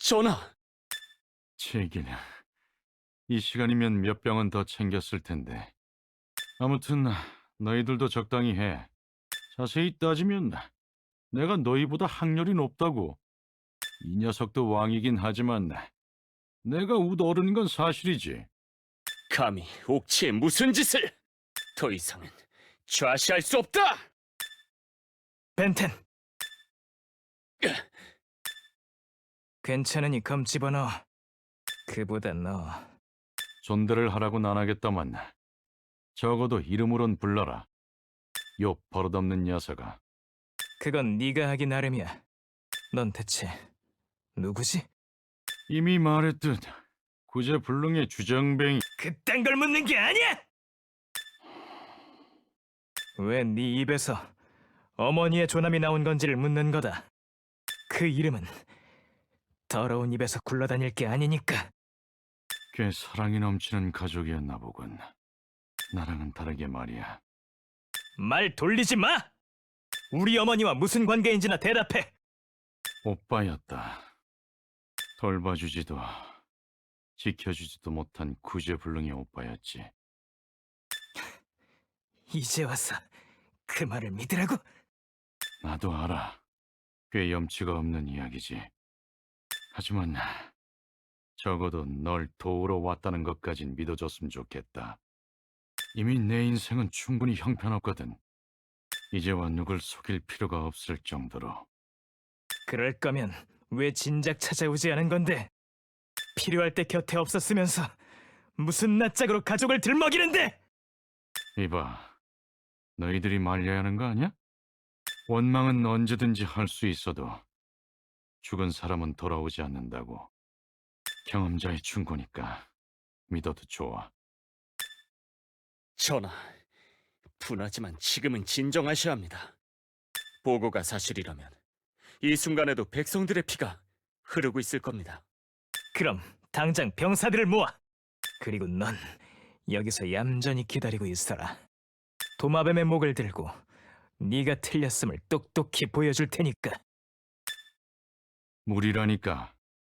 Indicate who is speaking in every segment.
Speaker 1: 전하!
Speaker 2: 제길, 이 시간이면 몇 병은 더 챙겼을 텐데. 아무튼 너희들도 적당히 해. 자세히 따지면 내가 너희보다 학렬이 높다고. 이 녀석도 왕이긴 하지만 내가 우더어른인 건 사실이지.
Speaker 1: 감히 옥치에 무슨 짓을! 더 이상은 좌시할 수 없다!
Speaker 3: 벤텐, 괜찮으니 검 집어넣어. 그보다 너
Speaker 2: 존대를 하라고는 안 하겠다만 적어도 이름으론 불러라. 요 버릇없는 녀석아.
Speaker 3: 그건 네가 하기 나름이야. 넌 대체 누구지?
Speaker 2: 이미 말했듯 구제불능의 주정뱅이.
Speaker 3: 그딴 걸 묻는 게 아니야! 왜 네 입에서 어머니의 조남이 나온 건지를 묻는 거다. 그 이름은 더러운 입에서 굴러다닐 게 아니니까.
Speaker 2: 꽤 사랑이 넘치는 가족이었나 보군. 나랑은 다르게 말이야.
Speaker 3: 말 돌리지 마! 우리 어머니와 무슨 관계인지나 대답해!
Speaker 2: 오빠였다. 돌봐주지도 지켜주지도 못한 구제불능의 오빠였지.
Speaker 3: 이제 와서 그 말을 믿으라고?
Speaker 2: 나도 알아. 꽤 염치가 없는 이야기지. 하지만 적어도 널 도우러 왔다는 것까진 믿어줬으면 좋겠다. 이미 내 인생은 충분히 형편없거든. 이제와 누굴 속일 필요가 없을 정도로.
Speaker 3: 그럴 거면 왜 진작 찾아오지 않은 건데? 필요할 때 곁에 없었으면서 무슨 낯짝으로 가족을 들먹이는데!
Speaker 2: 이봐, 너희들이 말려야 하는 거 아니야? 원망은 언제든지 할 수 있어도 죽은 사람은 돌아오지 않는다고. 경험자의 충고니까 믿어도 좋아.
Speaker 1: 전하, 분하지만 지금은 진정하셔야 합니다. 보고가 사실이라면 이 순간에도 백성들의 피가 흐르고 있을 겁니다.
Speaker 3: 그럼 당장 병사들을 모아! 그리고 넌 여기서 얌전히 기다리고 있어라. 도마뱀의 목을 들고 네가 틀렸음을 똑똑히 보여줄 테니까.
Speaker 2: 무리라니까.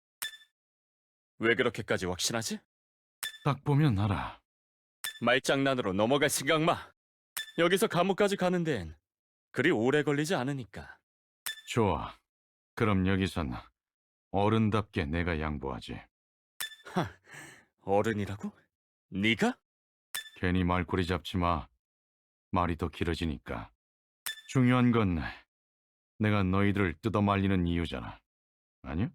Speaker 1: 왜 그렇게까지 확신하지?
Speaker 2: 딱 보면 알아.
Speaker 1: 말장난으로 넘어갈 생각 마. 여기서 감옥까지 가는 데엔 그리 오래 걸리지 않으니까.
Speaker 2: 좋아. 그럼 여기선 어른답게 내가 양보하지.
Speaker 1: 하, 어른이라고? 네가?
Speaker 2: 괜히 말꼬리 잡지 마. 말이 더 길어지니까. 중요한 건 내가 너희들을 뜯어말리는 이유잖아. 아니야?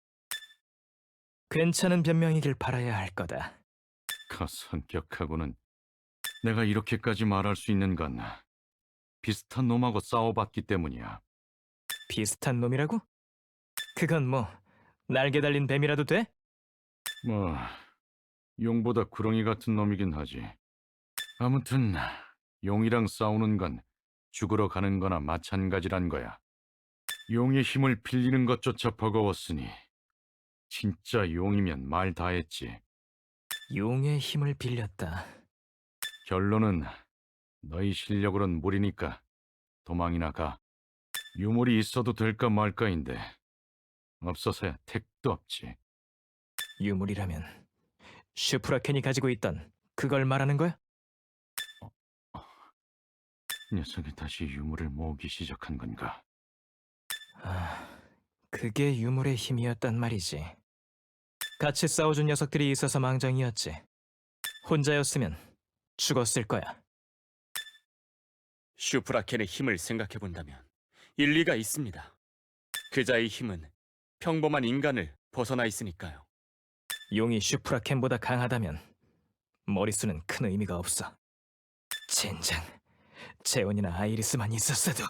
Speaker 3: 괜찮은 변명이길 바라야 할 거다.
Speaker 2: 그 성격하고는. 내가 이렇게까지 말할 수 있는 건 비슷한 놈하고 싸워봤기 때문이야.
Speaker 3: 비슷한 놈이라고? 그건 뭐 날개 달린 뱀이라도 돼?
Speaker 2: 뭐 용보다 구렁이 같은 놈이긴 하지. 아무튼 용이랑 싸우는 건 죽으러 가는 거나 마찬가지란 거야. 용의 힘을 빌리는 것조차 버거웠으니 진짜 용이면 말 다 했지.
Speaker 3: 용의 힘을 빌렸다.
Speaker 2: 결론은 너희 실력으론 무리니까 도망이나 가. 유물이 있어도 될까 말까인데 없어서야 택도 없지.
Speaker 3: 유물이라면 슈프라켄이 가지고 있던 그걸 말하는 거야?
Speaker 2: 녀석이 다시 유물을 모으기 시작한 건가?
Speaker 3: 아, 그게 유물의 힘이었단 말이지. 같이 싸워준 녀석들이 있어서 망정이었지. 혼자였으면 죽었을 거야.
Speaker 1: 슈프라켄의 힘을 생각해본다면 일리가 있습니다. 그자의 힘은 평범한 인간을 벗어나 있으니까요.
Speaker 3: 용이 슈프라켄보다 강하다면 머릿수는 큰 의미가 없어. 젠장, 재원이나 아이리스만 있었어도.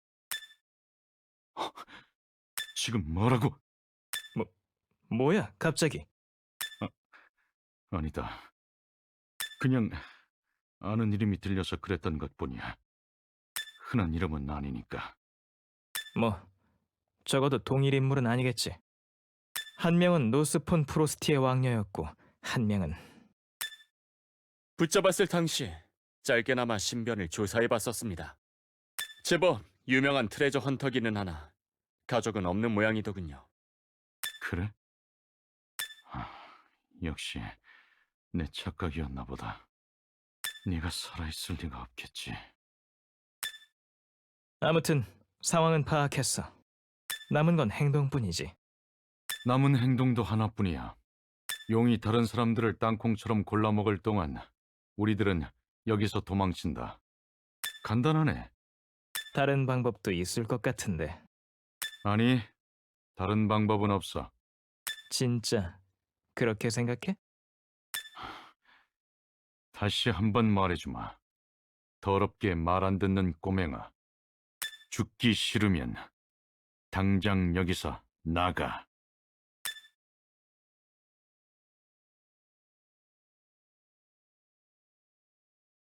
Speaker 2: 지금 뭐라고?
Speaker 3: 뭐야, 갑자기?
Speaker 2: 아니다. 그냥 아는 이름이 들려서 그랬던 것뿐이야. 흔한 이름은 아니니까.
Speaker 3: 뭐, 적어도 동일 인물은 아니겠지. 한 명은 노스폰 프로스티의 왕녀였고, 한 명은
Speaker 1: 붙잡았을 당시에 짧게나마 신변을 조사해봤었습니다. 제법 유명한 트레저 헌터기는 하나 가족은 없는 모양이더군요.
Speaker 2: 그래? 역시 내 착각이었나 보다. 네가 살아있을 리가 없겠지.
Speaker 3: 아무튼 상황은 파악했어. 남은 건 행동뿐이지.
Speaker 2: 남은 행동도 하나뿐이야. 용이 다른 사람들을 땅콩처럼 골라먹을 동안 우리들은 여기서 도망친다. 간단하네.
Speaker 3: 다른 방법도 있을 것 같은데.
Speaker 2: 아니, 다른 방법은 없어.
Speaker 3: 진짜 그렇게 생각해?
Speaker 2: 다시 한번 말해주마. 더럽게 말 안 듣는 꼬맹아. 죽기 싫으면 당장 여기서 나가.